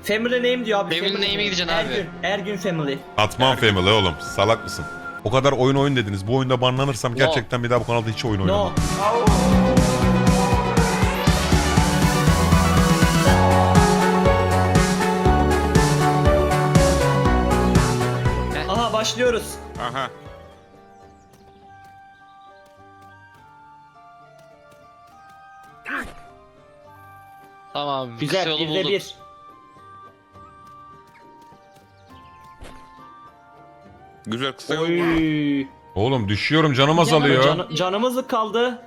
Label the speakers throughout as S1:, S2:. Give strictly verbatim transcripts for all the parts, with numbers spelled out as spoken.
S1: Family name diyor abi.
S2: Family name'e gideceksin abi.
S1: Ergün. Ergün family.
S3: Atman Family oğlum. Salak mısın? O kadar oyun oyun dediniz. Bu oyunda banlanırsam gerçekten bir daha bu kanalda hiç oyun
S1: No.
S3: oynamam.
S1: Aha başlıyoruz.
S4: Aha.
S2: Tamam. Kısa
S1: Güzel.
S2: yolu
S1: Bir de
S2: bulduk.
S1: bir.
S4: Güzel kısa yol.
S1: Oy.
S3: Oğlum düşüyorum, canım azalıyor.
S1: Can, canımız kaldı.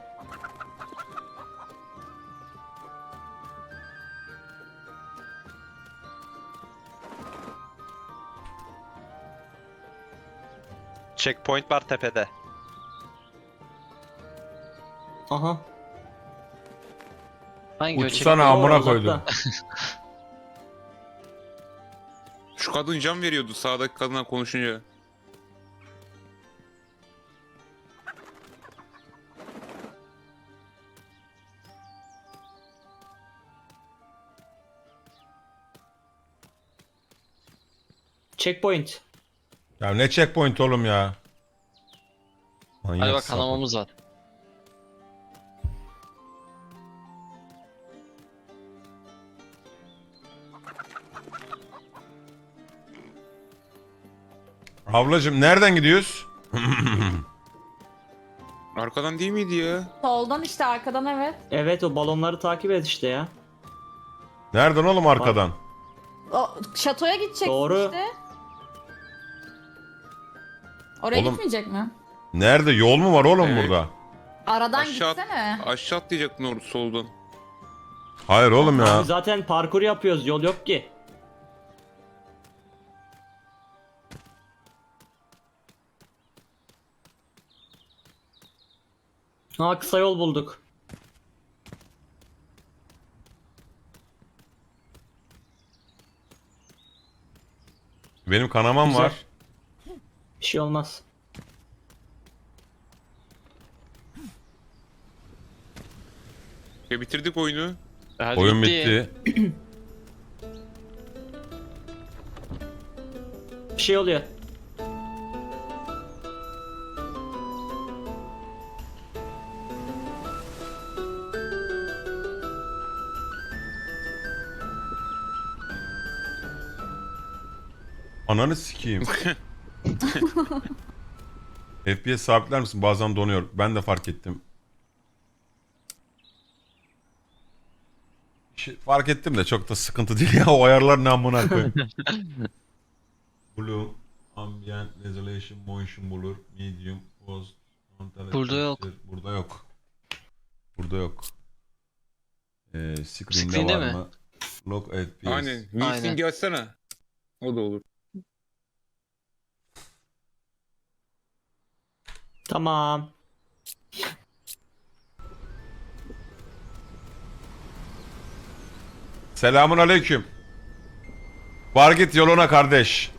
S5: Checkpoint var tepede.
S1: Aha.
S2: Hangi
S3: Uçsana
S2: ölçek?
S3: amına
S1: Oo,
S3: koydum.
S1: uzakta.
S4: Şu kadın can veriyordu sağdaki kadına konuşunca.
S1: Checkpoint.
S3: Ya ne checkpoint oğlum ya. Manyak
S2: Hadi bak
S3: sapık.
S2: kanamamız var.
S3: Ablacım nereden gidiyoruz?
S4: Arkadan değil miydi ya?
S6: Soldan işte arkadan evet.
S1: Evet o balonları takip et işte ya.
S3: Nereden oğlum arkadan?
S6: O şatoya gideceksin
S1: Doğru.
S6: işte. Oraya
S3: Oğlum-
S6: gitmeyecek mi?
S3: Nerede? Yol mu var oğlum
S4: Evet.
S3: burada?
S6: Aradan
S4: Aşağı,
S6: gitsene.
S4: aşağı atlayacaktın orada soldan.
S3: Hayır oğlum ya.
S1: Abi zaten parkur yapıyoruz. Yol yok ki. Ha kısa yol bulduk.
S3: Benim kanamam
S1: Güzel.
S3: var.
S1: Bir şey olmaz.
S4: Ya bitirdik oyunu.
S2: Hadi
S3: Oyun bitti.
S1: Bir şey oluyor.
S3: Ananı sikeyim. F P S sabitler misin? Bazen donuyor. Ben de fark ettim. Şey, fark ettim de çok da sıkıntı değil ya. O ayarlar ne amına koyayım. Blue, Ambient, Resolution, Motion bulur. Medium, Post, Frontal
S2: Burada yok.
S3: Texture. Burada yok. Burada yok. Ee, screen'de,
S2: Screen'de
S3: var
S2: mi?
S3: mı? Log F P S.
S4: Aynen.
S2: Aynen.
S4: Wilson gelsene. O da olur.
S1: Tamam.
S3: Selamun aleyküm. Var git yoluna kardeş.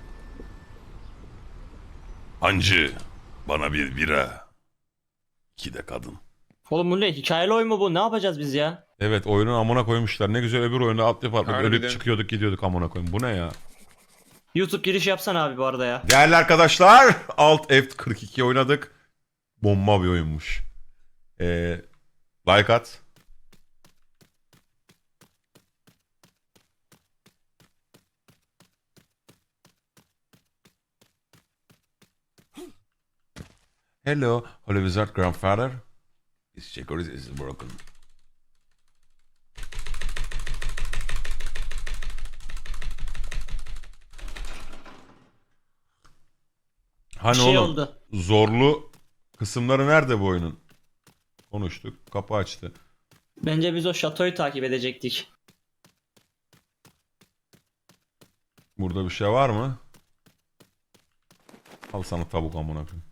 S3: Hancı, bana bir bira. İki de kadın.
S1: Oğlum bu ne? Hikayeli oyun mu bu? Ne yapacağız biz ya?
S3: Evet, oyunun amına koymuşlar. Ne güzel öbür oyunda alt yapıp
S4: Harbiden.
S3: ölüp çıkıyorduk gidiyorduk amına koyayım. Bu ne ya?
S1: YouTube giriş yapsana abi bu arada ya.
S3: Değerli arkadaşlar, Alt F kırk iki oynadık. Bomba bir oyunmuş. Ee, like at. Hello, Holy Wizard Grandfather. This security is broken.
S1: Bir
S3: Hani
S1: şey
S3: oğlum,
S1: oldu.
S3: zorlu kısımları nerede bu oyunun? Konuştuk, kapı açtı.
S1: Bence biz o şatoyu takip edecektik.
S3: Burada bir şey var mı? Al sana tavuk amına koyayım.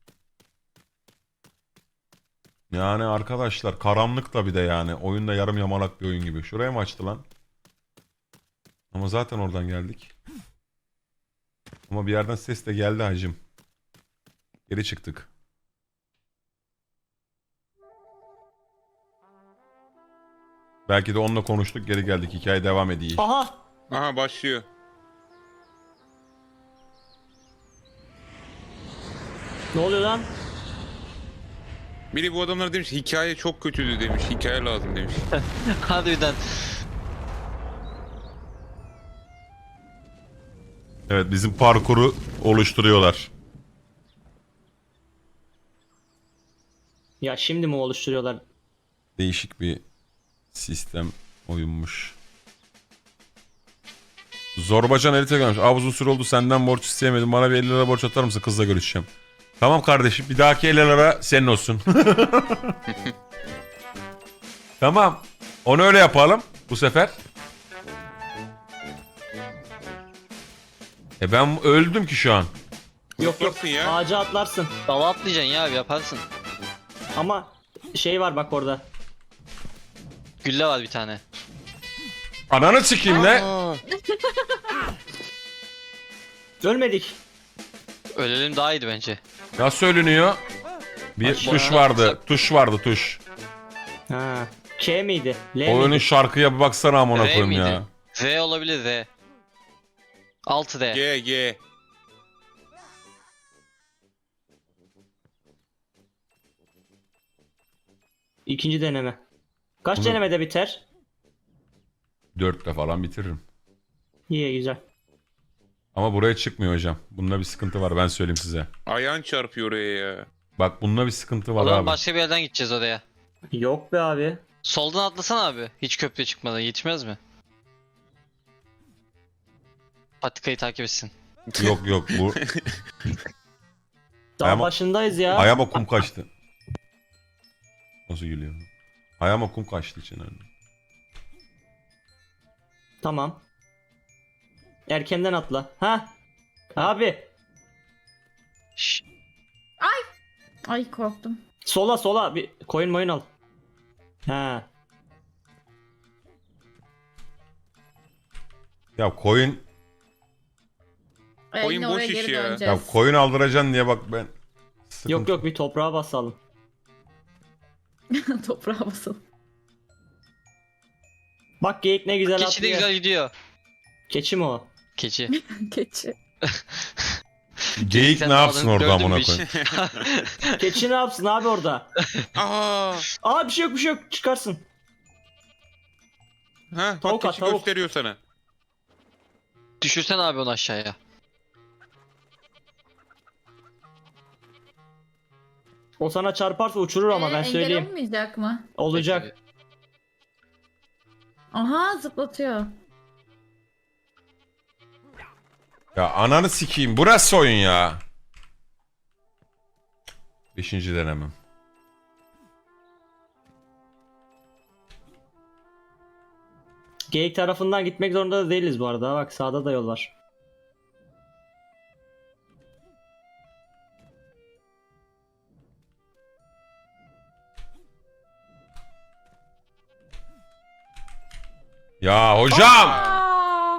S3: Yani arkadaşlar karanlık da bir de yani. Oyunda yarım yamalak bir oyun gibi. Şuraya mı açtı lan? Ama zaten oradan geldik. Ama bir yerden ses de geldi hacım. Geri çıktık. Belki de onunla konuştuk, geri geldik. Hikaye devam ediyor.
S1: Aha!
S4: Aha başlıyor.
S1: Ne oluyor lan?
S4: Biri bu adamlar demiş hikaye çok kötüydü demiş. Hikaye lazım demiş.
S2: Harbiden.
S3: Evet, bizim parkuru oluşturuyorlar.
S1: Ya şimdi mi oluşturuyorlar?
S3: Değişik bir sistem oyunmuş. Zorbacan elite gelmiş. Abi uzun süre oldu senden borç isteyemedim. Bana bir elli lira borç atar mısın? Kızla görüşeceğim. Tamam kardeşim. Bir dahaki elli lira senin olsun. Tamam. Onu öyle yapalım bu sefer. E ben öldüm ki şu an.
S1: Yok yok,
S4: Yaparsın ya.
S1: ağaca atlarsın.
S2: Dala atlayacaksın ya abi, yaparsın.
S1: Ama şey var bak orada.
S2: Gülle var bir tane.
S3: Ananı sikeyim ne?
S2: Aa,
S1: Ölmedik.
S2: ölelim daha iyiydi bence.
S3: Nasıl ölünüyor? Bir
S1: Aşağı
S3: tuş vardı.
S2: atsak.
S3: Tuş vardı tuş.
S1: Ha. K miydi? L
S3: Oyunun
S1: miydi?
S3: şarkıya bir baksana amına
S2: R
S3: koyayım
S2: miydi?
S3: ya.
S2: R olabilir, R. altı R.
S4: G G.
S1: İkinci deneme. Kaç
S3: Bunu-
S1: denemede biter?
S3: Dörtte falan bitiririm.
S1: İyi güzel.
S3: Ama buraya çıkmıyor hocam. Bunda bir sıkıntı var ben söyleyeyim size.
S4: Ayağın çarpıyor oraya ya.
S3: Bak bunda bir sıkıntı
S2: O
S3: var
S2: zaman
S3: abi.
S2: başka bir yerden gideceğiz oraya.
S1: Yok be abi.
S2: Soldan atlasana abi. Hiç köprüye çıkmadan yetişmez mi? Patikayı takip etsin.
S3: Yok yok bu
S1: Daha
S3: Ayağıma-
S1: başındayız ya.
S3: ayağıma kum kaçtı. Nasıl gülüyor? Ayağıma kum kaçtı için öyle.
S1: Tamam. Erkenden atla. Ha? Abi.
S2: Şşş.
S6: Ay korktum.
S1: Sola sola bir koyun moyun al. Ha.
S3: Ya koyun
S6: Ee,
S4: Oyun
S6: yine
S4: boş
S6: oraya
S4: iş
S6: geri
S4: ya.
S3: ya
S6: döneceğiz.
S3: koyun aldıracaksın diye bak ben sıkıntı.
S1: Yok yok bir toprağa basalım.
S6: Toprağa basalım.
S1: Bak geyik ne güzel
S2: Keçi de
S1: atlıyor.
S2: güzel gidiyor.
S1: Keçi mi o?
S2: Keçi.
S6: Keçi.
S3: Geyik
S2: Sen
S3: ne yapsın
S2: aldın,
S3: orada
S2: gördün
S3: amına
S2: mü
S3: koyayım?
S2: hiç?
S1: Keçi ne yapsın abi orada?
S4: Aa.
S1: Aa bir şey yok bir şey yok çıkarsın.
S4: Ha,
S1: Tavuk
S4: bak
S1: at,
S4: keçi
S1: tavuk.
S4: gösteriyor sana.
S2: Düşürsen abi onu aşağıya.
S1: O sana çarparsa uçurur ama
S6: Ee,
S1: ben
S6: engel
S1: söyleyeyim.
S6: olmayacak mı?
S1: Olacak.
S6: Aha zıplatıyor.
S3: Ya ananı sikeyim burası oyun ya. Beşinci denemem.
S1: Geyik tarafından gitmek zorunda da değiliz bu arada. Bak sağda da yol var.
S3: Ya hocam!
S6: Aa!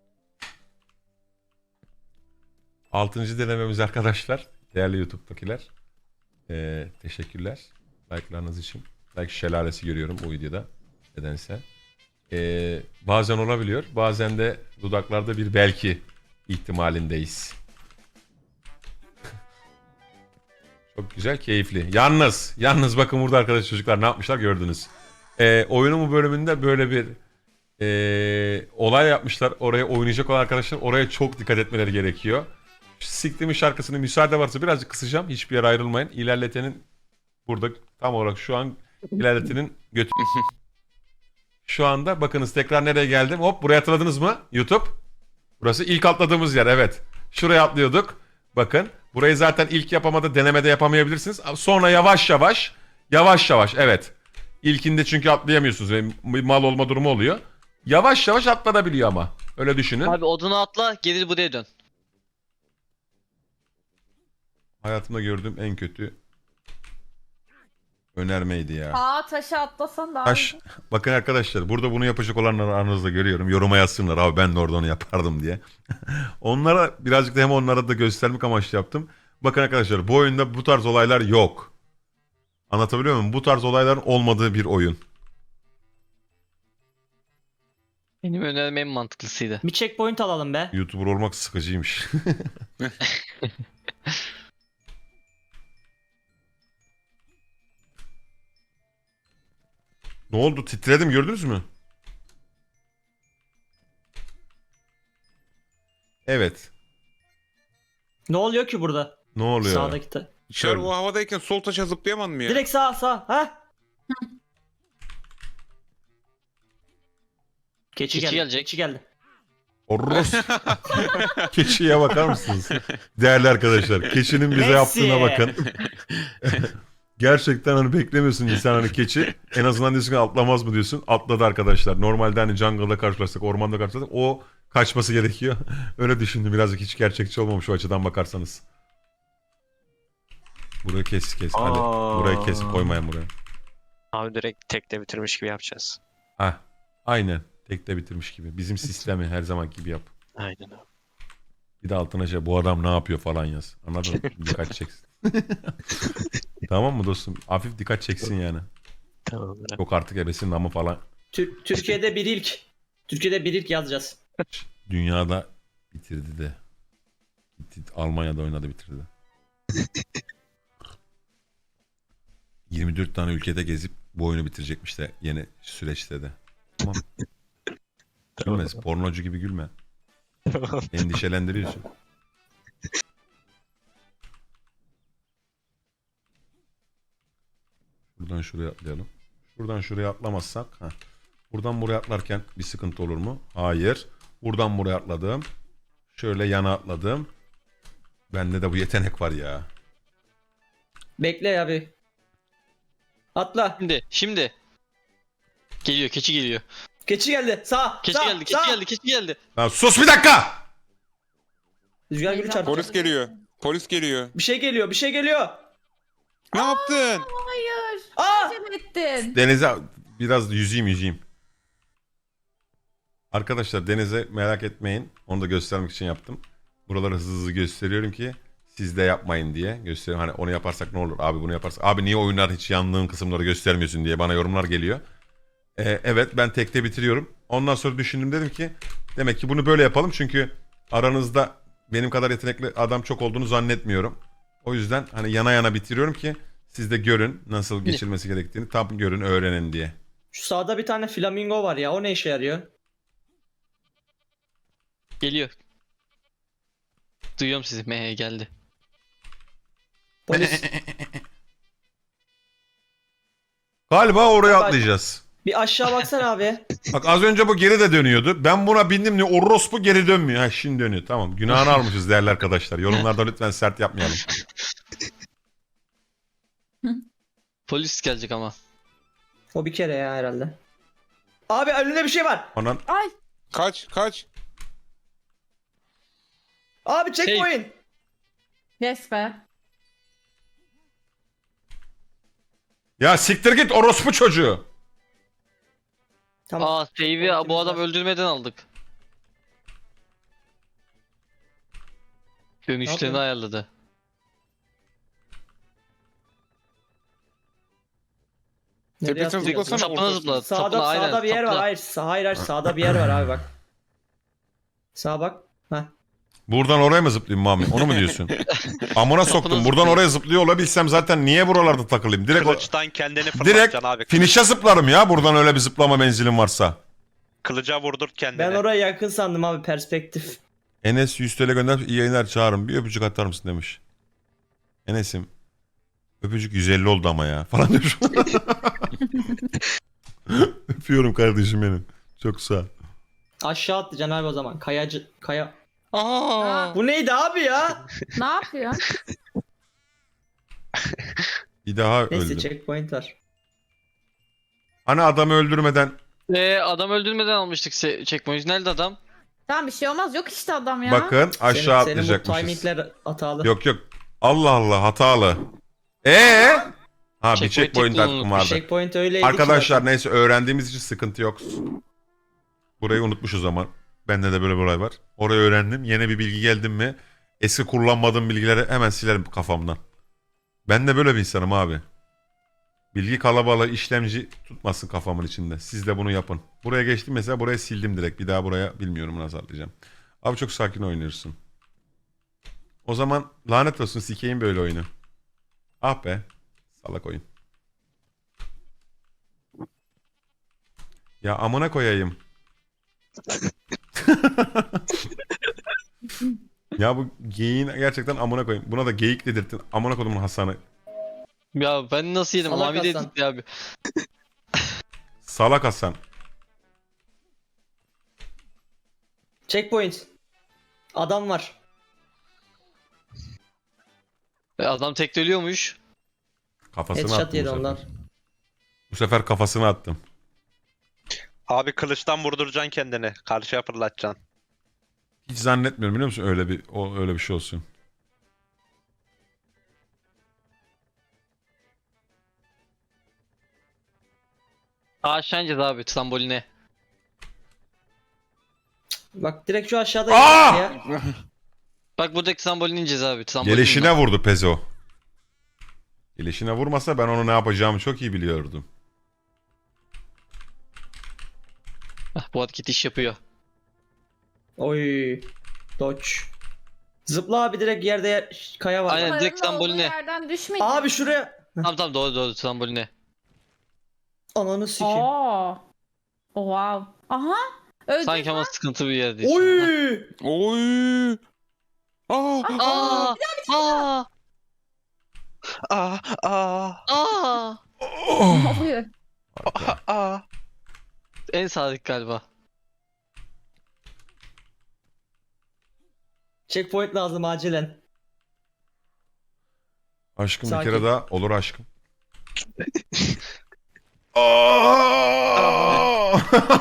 S3: Altıncı denememiz arkadaşlar. Değerli YouTube'dakiler. Ee, teşekkürler. Like'larınız için. Like şelalesi görüyorum bu videoda. Nedense. Ee, bazen olabiliyor. Bazen de dudaklarda bir belki ihtimalindeyiz. Çok güzel, keyifli. Yalnız, yalnız bakın burada arkadaş çocuklar ne yapmışlar gördünüz. Ee, oyunun bu bölümünde böyle bir ee, olay yapmışlar. Oraya oynayacak olan arkadaşlar oraya çok dikkat etmeleri gerekiyor. Siktimin şarkısını müsaade varsa birazcık kısacağım. Hiçbir yere ayrılmayın. İlerletenin burada tam olarak şu an ilerletenin götü. Şu anda bakınız tekrar nereye geldim. Hop buraya atladınız mı YouTube? Burası ilk atladığımız yer evet. Şuraya atlıyorduk. Bakın burayı zaten ilk yapamada denemede yapamayabilirsiniz. Sonra yavaş yavaş yavaş yavaş evet. İlkinde çünkü atlayamıyorsunuz ve mal olma durumu oluyor. Yavaş yavaş atlanabiliyor ama. Öyle düşünün.
S2: Abi odunu atla, geri buraya dön.
S3: Hayatımda gördüğüm en kötü önermeydi ya.
S6: Aa taşı atlasan daha
S3: Taş.
S6: iyi.
S3: Bakın arkadaşlar burada bunu yapacak olanları aranızda görüyorum. Yoruma yazsınlar abi ben de orada onu yapardım diye. Onlara birazcık da hem onlara da göstermek amaçlı yaptım. Bakın arkadaşlar bu oyunda bu tarz olaylar yok. Anlatabiliyor muyum? Bu tarz olayların olmadığı bir oyun.
S2: Benim önerim en mantıklısıydı.
S1: Bir checkpoint alalım be.
S3: YouTuber olmak sıkıcıymış. Ne oldu? Titredim, gördünüz mü? Evet.
S1: Ne oluyor ki burada?
S3: Ne oluyor?
S1: Sağdaki ta-
S4: Şer o havadayken sol taşa zıplayamam mı ya?
S1: Direkt sağ sağ. Ha? Keçi,
S2: Keçi
S1: geldi.
S2: gelecek.
S1: Keçi geldi.
S3: Orros. Keçiye bakar mısınız? Değerli arkadaşlar, keçinin bize
S1: Messi.
S3: yaptığına bakın. Gerçekten hani beklemiyorsun insan hani keçi. En azından diyorsun ki atlamaz mı diyorsun. Atladı arkadaşlar. Normalde hani jungle'da karşılaşsak, ormanda karşılaşsak o kaçması gerekiyor. Öyle düşündüm. Birazcık hiç gerçekçi olmamış o açıdan bakarsanız. Burayı kes kes. Hadi.
S1: Aa.
S3: Burayı kes, koymayın buraya.
S5: Abi direkt tekte bitirmiş gibi yapacağız.
S3: Heh. Aynen. Tekte bitirmiş gibi. Bizim sistemi her zaman gibi yap.
S5: Aynen abi.
S3: Bir de altına şey bu adam ne yapıyor falan yaz. Anladın mı? Dikkat çeksin. Tamam mı dostum? Hafif dikkat çeksin yani.
S5: Tamamdır abi.
S3: Yok artık ebesinin namı falan.
S1: Tür- Türkiye'de bir ilk. Türkiye'de bir ilk yazacağız.
S3: Dünyada bitirdi de. Gitti, Almanya'da oynadı bitirdi. yirmi dört tane ülkede gezip bu oyunu bitirecekmiş de yeni süreçte de. Tamam. Gülme. Pornocu gibi gülme. Endişelendiriyorsun. Buradan şuraya atlayalım. Şuradan şuraya atlamazsak. Heh. Buradan buraya atlarken bir sıkıntı olur mu? Hayır. Buradan buraya atladım. Şöyle yana atladım. Bende de bu yetenek var ya.
S1: Bekle ya bir. Atla.
S2: Şimdi, şimdi. Geliyor, keçi geliyor.
S1: Keçi geldi. Sağ.
S2: Keçi
S1: sağ,
S2: geldi, keçi
S1: sağ.
S2: geldi, keçi geldi.
S3: Lan sus bir dakika!
S1: Rüzgar gülü çarptı.
S4: Polis geliyor. Polis geliyor.
S1: Bir şey geliyor. Bir şey geliyor.
S4: Ne yaptın?
S6: Hayır.
S1: Aa!
S6: Acele ettin.
S3: Denize biraz yüzeyim yüzeyim. Arkadaşlar denize merak etmeyin. Onu da göstermek için yaptım. Buraları hızlı hızlı gösteriyorum ki siz de yapmayın diye gösteriyorum. Hani onu yaparsak ne olur? Abi bunu yaparsak. Abi niye oyunlar hiç yandığın kısımları göstermiyorsun diye bana yorumlar geliyor. Ee, evet ben tekte bitiriyorum. Ondan sonra düşündüm dedim ki demek ki bunu böyle yapalım. Çünkü aranızda benim kadar yetenekli adam çok olduğunu zannetmiyorum. O yüzden hani yana yana bitiriyorum ki siz de görün nasıl geçilmesi gerektiğini. Tam görün öğrenin diye.
S1: Şu sağda bir tane flamingo var ya. O ne işe yarıyor?
S2: Geliyor. Duyuyorum sizi. Mehe geldi.
S1: Polis.
S3: Galiba oraya
S1: Bak-
S3: atlayacağız.
S1: Bir aşağı baksana abi.
S3: Bak az önce bu geri de dönüyordu. Ben buna bindim diye orospu geri dönmüyor. Ha şimdi dönüyor. Tamam. Günahını almışız değerli arkadaşlar. Yorumlarda lütfen sert yapmayalım.
S2: Polis gelecek ama.
S1: O bir kere ya herhalde. Abi önünde bir şey var.
S3: Anan
S6: Ay.
S4: Kaç kaç.
S1: Abi checkpoint.
S6: Yes be.
S3: ya siktir git orospu çocuğu.
S1: Tamam.
S2: Aa, save'i bu adam öldürmeden aldık. Dönüşlerini
S1: yapıyor?
S2: ayarladı.
S1: Nereye
S4: Tepesine
S1: atlayacağız?
S4: zıplasana.
S2: Sapına
S4: ortasına.
S2: zıpla.
S1: Sağda
S2: sapına, aynen,
S1: sağda bir yer var.
S2: sapına.
S1: Hayır, sağ, hayır, hayır sağda bir yer var abi bak. Sağa bak. Heh.
S3: Buradan oraya mı zıplayayım Mami? Onu mu diyorsun? Amına soktum. Buradan oraya zıplıyor olabilsem zaten niye buralarda takılayım? Direkt o-
S5: Kılıçtan kendini
S3: direkt
S5: fırlatacaksın abi.
S3: finish'e zıplarım ya. Buradan öyle bir zıplama menzilim varsa.
S5: Kılıca vurdur kendini.
S1: Ben oraya yakın sandım abi perspektif.
S3: Enes yüz T L gönder iyi yayınlar çağırın. Bir öpücük atar mısın demiş. Enes'im öpücük yüz elli oldu ama ya falan demiş. Öpüyorum kardeşim benim. Çok sağ ol.
S1: Aşağı atlayacaksın abi o zaman. Kayacı kaya.
S6: Aa,
S1: Bu neydi abi ya?
S6: ne yapıyorsun?
S3: Bir daha
S1: Neyse
S3: öldüm.
S1: checkpoint var.
S3: Hani adamı öldürmeden
S2: Ee, adam öldürmeden almıştık se- checkpoint. Nerede adam?
S6: Tamam bir şey olmaz. Yok işte adam ya.
S3: bakın aşağı
S1: senin, senin bu
S3: atlayacakmışız.
S1: timingler hatalı.
S3: Yok yok. Allah Allah hatalı. Ee? Ha bir
S2: Checkpoint
S3: checkpoint
S2: teknolojisi.
S3: hakkım vardı.
S1: Checkpoint öyleydi ki
S3: Arkadaşlar
S1: zaten.
S3: neyse öğrendiğimiz için sıkıntı yok. Burayı unutmuşuz ama. Bende de böyle bir olay var. Orayı öğrendim. Yeni bir bilgi geldim mi eski kullanmadığım bilgileri hemen silerim kafamdan. Ben de böyle bir insanım abi. Bilgi kalabalığı işlemci tutmasın kafamın içinde. Siz de bunu yapın. Buraya geçtim mesela, buraya sildim direkt. Bir daha buraya bilmiyorum nasıl atlayacağım. Abi çok sakin oynuyorsun. O zaman lanet olsun, sikeyim böyle oyunu. Ah be. Salak oyun. Ya amına koyayım. Ya bu geyiğin gerçekten amına koyayım. Buna da geyik dedirttin. Amına kodumun Hasan'ı.
S2: Ya ben nasıl yedim?
S1: Salak
S2: Mavi
S1: Hasan.
S2: dedik ya abi.
S3: Salak Hasan.
S1: Checkpoint. Adam var.
S2: E, Adam tekte ölüyormuş.
S3: Kafasını
S1: Headshot
S3: attım bu
S1: yedi
S3: sefer.
S1: ondan.
S3: Bu sefer kafasını attım.
S5: Abi kılıçtan vurduracaksın kendini. Karşıya fırlatacaksın.
S3: Hiç zannetmiyorum biliyor musun öyle bir o öyle bir şey olsun.
S2: Aşağı ineceğiz abi tramboline.
S1: Bak direkt şu aşağıda
S3: Aa!
S1: ya.
S2: Bak buradaki tramboline ineceğiz abi. Trambolin
S3: Gelişine vurdu Pezo. Gelişine vurmasa ben onu ne yapacağımı çok iyi biliyordum.
S2: Ah, bu hareket iş yapıyor.
S1: Oy. Dodge. Zıpla abi, direkt yerde yer- kaya var.
S2: Aynen. direkt
S6: Paranın olduğu
S2: tramboline.
S6: yerden düşmeyecek.
S1: Abi şuraya.
S2: Tamam tamam doğru doğru tramboline.
S1: Ananı sikeyim.
S6: Oo. Wow. Aha. Öldün.
S2: Sanki ama sıkıntı bir yerdeyiz.
S1: Oy.
S4: Oy. Aa.
S2: Aa! Aa!
S5: Aa aa
S2: Aa!
S6: Ne oluyor?
S5: aa.
S2: En sadık galiba.
S1: Checkpoint lazım acilen.
S3: Aşkım
S1: Sakin.
S3: bir kere daha olur aşkım. Aa!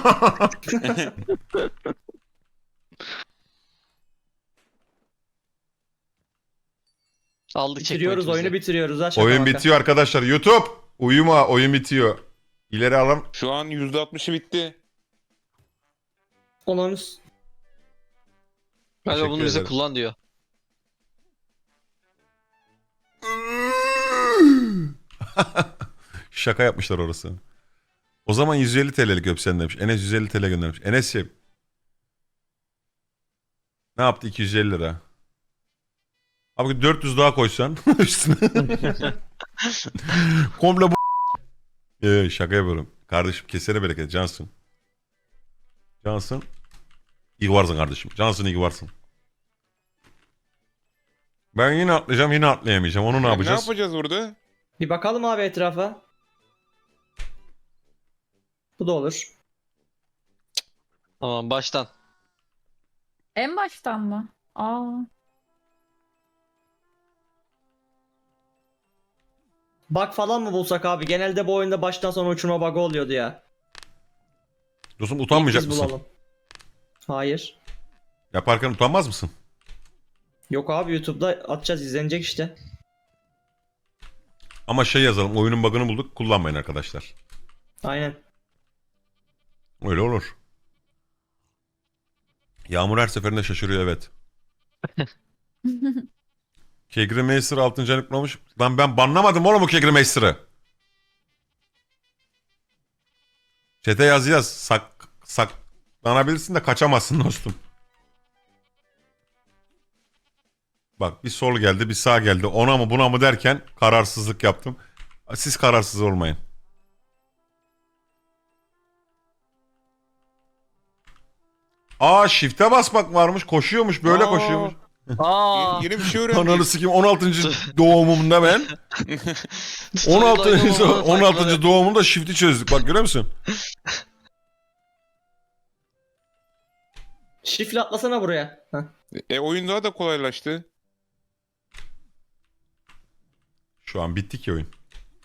S2: Aldık
S1: Bitiriyoruz
S2: checkpoint'imizi.
S1: oyunu, bitiriyoruz ha, şaka
S3: Oyun
S1: maka.
S3: bitiyor arkadaşlar. YouTube uyuma, oyun bitiyor. İleri alın.
S4: Şu an yüzde altmışı bitti.
S1: Ananı s-
S2: Galiba
S3: Teşekkür
S2: bunu bize
S3: ederim.
S2: kullan diyor.
S3: Şaka yapmışlar orası. O zaman yüz elli T L'lik öpsen demiş. Enes yüz elli T L göndermiş. Enes'ciğim. Ne yaptı iki yüz elli lira? Abi dört yüz daha koysan üstüne. Komple bu. Ee, şaka yapıyorum. Kardeşim kesene bereket. Cansın. Cansın. İyi varsın kardeşim. Cansın iyi varsın. Ben yine atlayacağım, yine atlayamayacağım. Onu ne
S4: Ne
S3: yapacağız?
S4: yapacağız burada?
S1: Bir bakalım abi etrafa. Bu da olur.
S2: Tamam baştan.
S6: En baştan mı? Aa.
S1: Bug falan mı bulsak abi? Genelde bu oyunda baştan sona uçurma bug'ı oluyordu ya.
S3: Dostum utanmayacak
S1: Biz
S3: mısın?
S1: bulalım. Hayır.
S3: Yaparken utanmaz mısın?
S1: Yok abi, YouTube'da atacağız, izlenecek işte.
S3: Ama şey yazalım. Oyunun bug'ını bulduk. Kullanmayın arkadaşlar.
S1: Aynen.
S3: Öyle olur. Yağmur her seferinde şaşırıyor, evet. Kegri Master altıncı ayını kutlamış. Lan ben banlamadım oğlum bu Kegri Master'ı. Çete yaz yaz. Sak, saklanabilirsin de kaçamazsın dostum. Bak bir sol geldi bir sağ geldi. Ona mı buna mı derken kararsızlık yaptım. Siz kararsız olmayın. Aa shift'e basmak varmış. Koşuyormuş böyle
S2: Aa.
S3: koşuyormuş.
S2: Aa!
S4: Yeni bir şey
S3: Ananı
S4: öğrendik.
S3: sikeyim on altıncı doğumumda ben. on altıncı on altıncı doğumumda shift'i çözdük. Bak görüyor musun?
S1: Şifle atlasana buraya. Heh.
S4: E oyun daha da kolaylaştı.
S3: Şu an bitti ki oyun.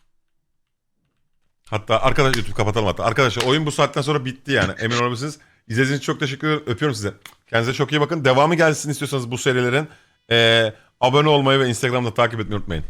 S3: Hatta arkadaş YouTube kapatalım hatta. Arkadaşlar oyun bu saatten sonra bitti yani. Emin olabilirsiniz. İzlediğiniz için çok teşekkür ederim. Öpüyorum size. Kendinize çok iyi bakın. Devamı gelsin istiyorsanız bu serilerin. Ee, abone olmayı ve Instagram'da takip etmeyi unutmayın.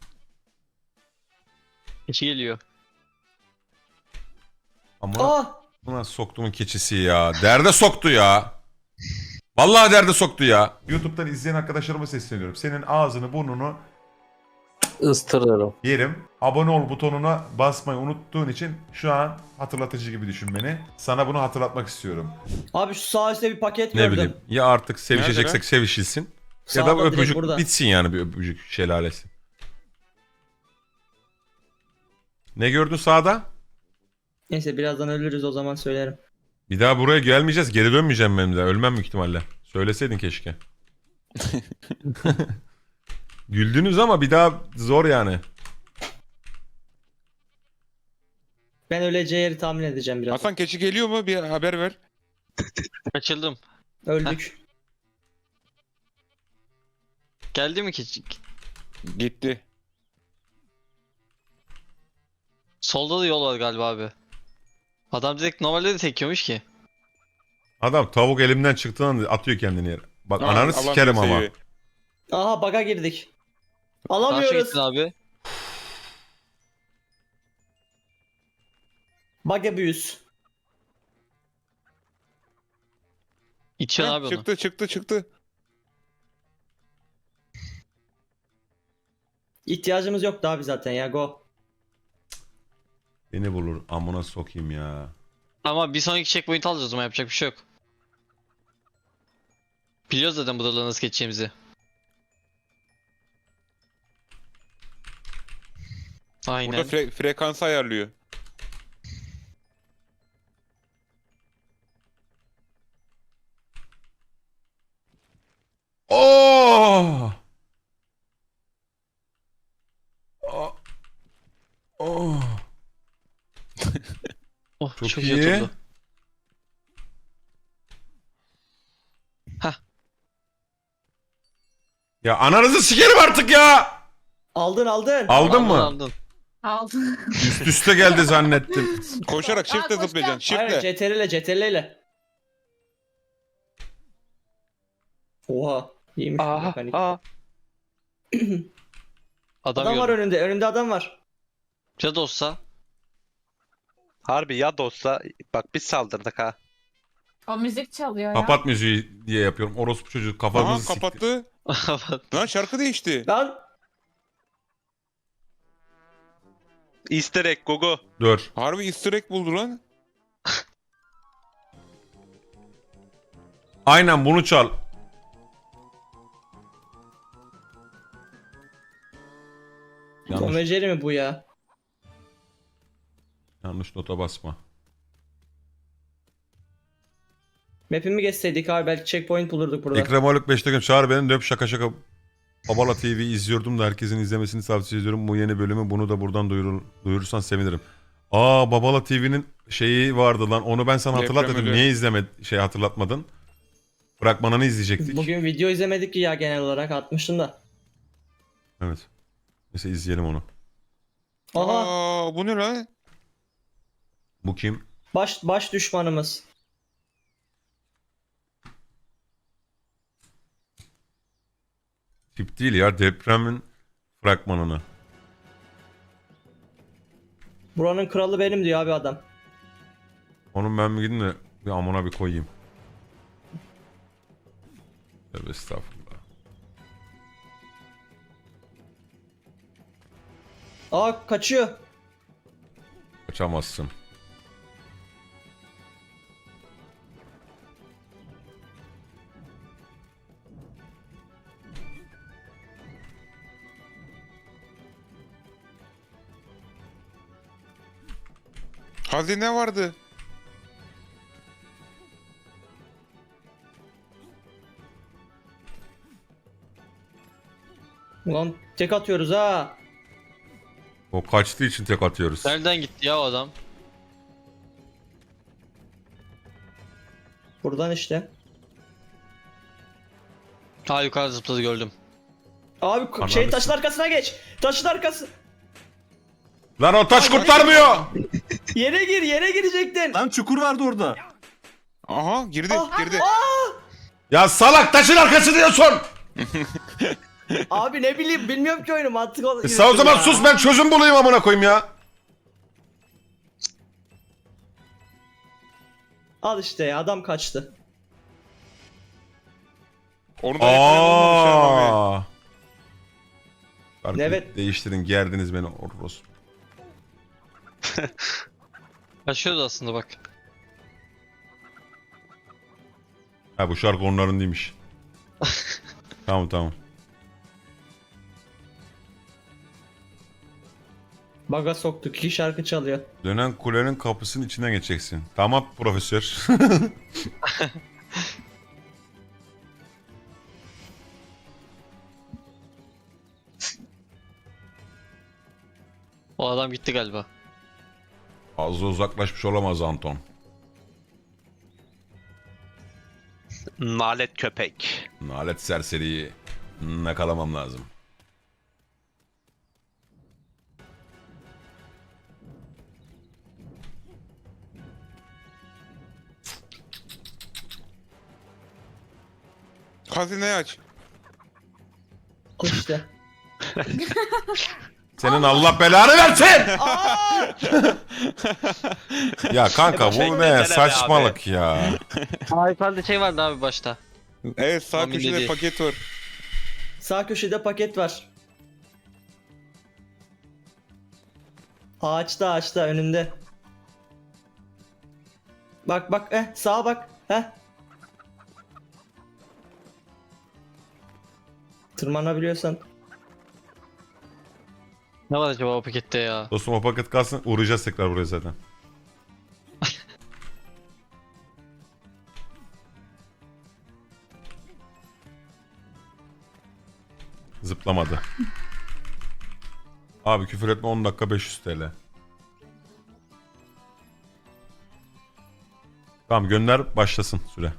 S2: İki geliyor.
S3: Ama
S1: Aa!
S3: Buna soktuğumun keçisi ya. Derde soktu ya. Vallahi derde soktu ya. YouTube'dan izleyen arkadaşlarıma sesleniyorum. Senin ağzını burnunu
S7: Istırırım.
S3: yerim. Abone ol butonuna basmayı unuttuğun için şu an hatırlatıcı gibi düşün beni. Sana bunu hatırlatmak istiyorum.
S1: Abi şu sağ üstte bir paket
S3: Ne
S1: gördüm.
S3: bileyim. Ya artık sevişeceksek
S4: Nerede
S3: sevişilsin. Ya
S1: Sağda
S3: da
S1: direkt
S3: öpücük
S1: burada.
S3: bitsin yani, bir öpücük şelalesi. Ne gördün sağda?
S1: Neyse birazdan ölürüz o zaman söylerim.
S3: Bir daha buraya gelmeyeceğiz. Geri dönmeyeceğim ben de. Ölmem büyük ihtimalle. Söyleseydin keşke. Güldünüz ama bir daha zor yani.
S1: Ben öleceği yeri tahmin edeceğim biraz.
S4: Hasan keçi geliyor mu? Bir haber ver.
S2: Kaçıldım.
S1: Öldük.
S2: Geldi mi ki?
S4: Gitti.
S2: Solda da yol var galiba abi. Adam direkt normalde de tekiyormuş ki.
S3: Adam tavuk elimden çıktığında atıyor kendini yere. Bak
S4: Aa,
S3: ananı
S4: Allah'ım
S3: sikerim ama.
S4: seviyor.
S1: Aha baga girdik.
S2: Karşı
S1: Alamıyoruz.
S2: gittin abi.
S1: Baga büyüs.
S2: İçiyorsun
S4: Ha,
S2: abi onu.
S4: çıktı çıktı çıktı.
S1: İhtiyacımız yoktu abi zaten ya go.
S3: Beni bulur. Amına sokayım ya.
S2: Ama bir sonraki checkpoint alacağız o zaman, yapacak bir şey yok. Biliyoruz zaten buraları nasıl geçeceğimizi. Aynen.
S4: Burada fre- frekansı ayarlıyor.
S3: Oh! Oh! Oh!
S2: Oh,
S3: Çok
S2: çok,
S3: iyi.
S2: iyi oturdu.
S3: Ya ananızı sikerim artık ya!
S1: Aldın aldın.
S3: Aldın mı?
S2: Aldın.
S6: Aldım.
S3: Üst üste geldi zannettim.
S4: Koşarak
S6: Aa,
S4: shift'le
S6: koşacağım.
S4: zıplayacaksın.
S1: Hayır
S4: Shift'le.
S1: C T R L C T R L ile. Oha. İyiymiş. bu
S5: Aa,
S1: mekanik.
S5: aa.
S2: Adam,
S1: Adam var
S2: gördüm.
S1: önünde. Önünde adam var.
S2: Ya da olsa.
S5: Harbi ya dostsa bak biz saldırdık ha.
S6: O müzik çalıyor ya.
S3: Kapat müziği diye yapıyorum. Orospu çocuğu
S4: Aha
S3: kafamızı sikti.
S4: kapattı. Lan şarkı değişti.
S1: Lan.
S5: Easter egg Gugu.
S3: Dur.
S4: Harbi easter egg buldu lan.
S3: Aynen bunu çal.
S1: Tom
S3: Yanlış,
S1: ve Jerry mi bu ya?
S3: yanlış nota basma.
S1: Map'imi geçseydik abi belki checkpoint bulurduk burada.
S3: Ekrem Haluk beş dakika çağır beni döp şaka şaka. Babala T V izliyordum da herkesin izlemesini tavsiye ediyorum. Bu yeni bölümü bunu da buradan duyurur, duyurursan sevinirim. Aa Babala T V'nin şeyi vardı lan. Onu ben sana hatırlat
S4: Deprem
S3: dedim.
S4: ölü.
S3: Niye izleme şey hatırlatmadın? Bırakmananı izleyecektik.
S1: Bugün video izlemedik ki ya genel olarak atmıştım da.
S3: Evet. Neyse izleyelim onu.
S1: Aha
S4: Aa bu ne lan?
S3: Bu kim?
S1: baş baş düşmanımız.
S3: Tip değil ya, depremin fragmanını.
S1: Buranın kralı benim diyor abi adam.
S3: Onun ben bir gidin de bir amına bir koyayım. Tövbe estağfurullah.
S1: Aa kaçıyor.
S3: Kaçamazsın.
S4: Hazine vardı.
S1: Ulan tek atıyoruz ha.
S3: O kaçtığı için tek atıyoruz.
S2: Nereden gitti ya o adam?
S1: Buradan işte.
S2: Ha, yukarı zıpladı, gördüm.
S1: Abi k-
S3: Ananı
S1: şey taşın arkasına geç. Taşın arkası.
S3: Lan o taş kurtarmıyor.
S1: Yere gir yere girecektin.
S8: Lan çukur vardı orada.
S4: Aha girdi
S1: Ah,
S4: girdi.
S3: Ya salak taşın arkası diyorsun.
S1: Abi ne bileyim bilmiyorum ki oyunu mantık ol.
S3: E sen o zaman
S1: ya.
S3: sus, ben çözüm bulayım amına koyayım ya.
S1: Al işte ya, adam kaçtı.
S4: Onu da yakalayan olmamış ya abi.
S3: Aa. Şarkıyı
S1: Evet.
S3: değiştirin, gerdiniz beni Oros.
S2: Kaçıyordu aslında bak.
S3: Ha bu şarkı onların değilmiş. Tamam tamam.
S1: Baga soktuk, iki şarkı çalıyor.
S3: Dönen kulenin kapısının içinden geçeceksin. Tamam profesör.
S2: O adam gitti galiba.
S3: Fazla uzaklaşmış olamaz Anton.
S5: Nalet köpek.
S3: Nalet serseriyi yakalamam lazım.
S4: Hazineyi aç.
S1: Al işte.
S3: Senin Allah belanı versin! Ya kanka bu
S5: Bekle,
S3: ne
S5: gel
S3: saçmalık ya.
S2: Ayfel'de şey vardı abi başta.
S4: Evet sağ
S2: Tahmin
S4: köşede
S2: dediği.
S4: paket var.
S1: Sağ köşede paket var. Ağaçta ağaçta önünde. Bak bak eh sağa bak. Heh. Tırmanabiliyorsan.
S2: Ne var acaba o pakette ya?
S3: Dostum o paket kalsın uğrayacağız tekrar buraya zaten. Zıplamadı. Abi küfür etme on dakika beş yüz T L. Tamam gönder başlasın süre.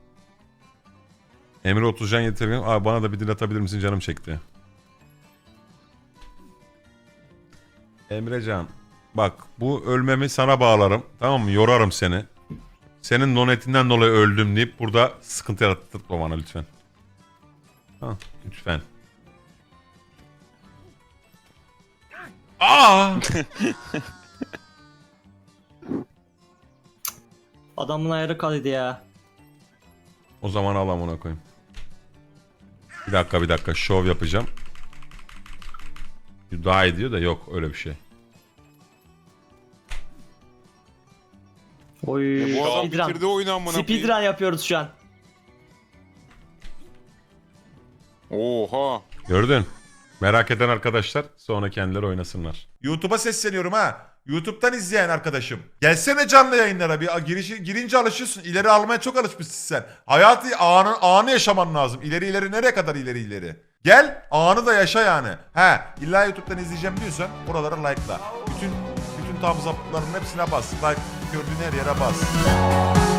S3: Emre Otuzcan yeterim. Abi bana da bir dil atabilir misin canım çekti. Emrecan bak bu ölmemi sana bağlarım tamam mı yorarım seni. Senin donetinden dolayı öldüm deyip burada sıkıntı yarattırma bana lütfen. Ha, lütfen. Aa!
S1: Adamın ayarı kalıydı ya.
S3: O zaman al amına koyayım. Bir dakika bir dakika şov yapacağım. Daha iyi diyor da yok öyle bir şey.
S1: Oy.
S4: Bu adam
S1: speedrun.
S4: bitirdi oyunu amına koyayım.
S1: Speedrun yapıyoruz şu an.
S4: Oha.
S3: Gördün. Merak eden arkadaşlar sonra kendileri oynasınlar. YouTube'a sesleniyorum ha. YouTube'dan izleyen arkadaşım. Gelsene canlı yayınlara bir girişi, girince alışıyorsun. İleri almaya çok alışmışsın sen. Hayatı anı, anı yaşaman lazım. İleri ileri nereye kadar ileri ileri. Gel anı da yaşa yani. He illa YouTube'dan izleyeceğim diyorsan oralara like'la. Bütün bütün tam zaptların hepsine bas. Like gördüğün her yere bas.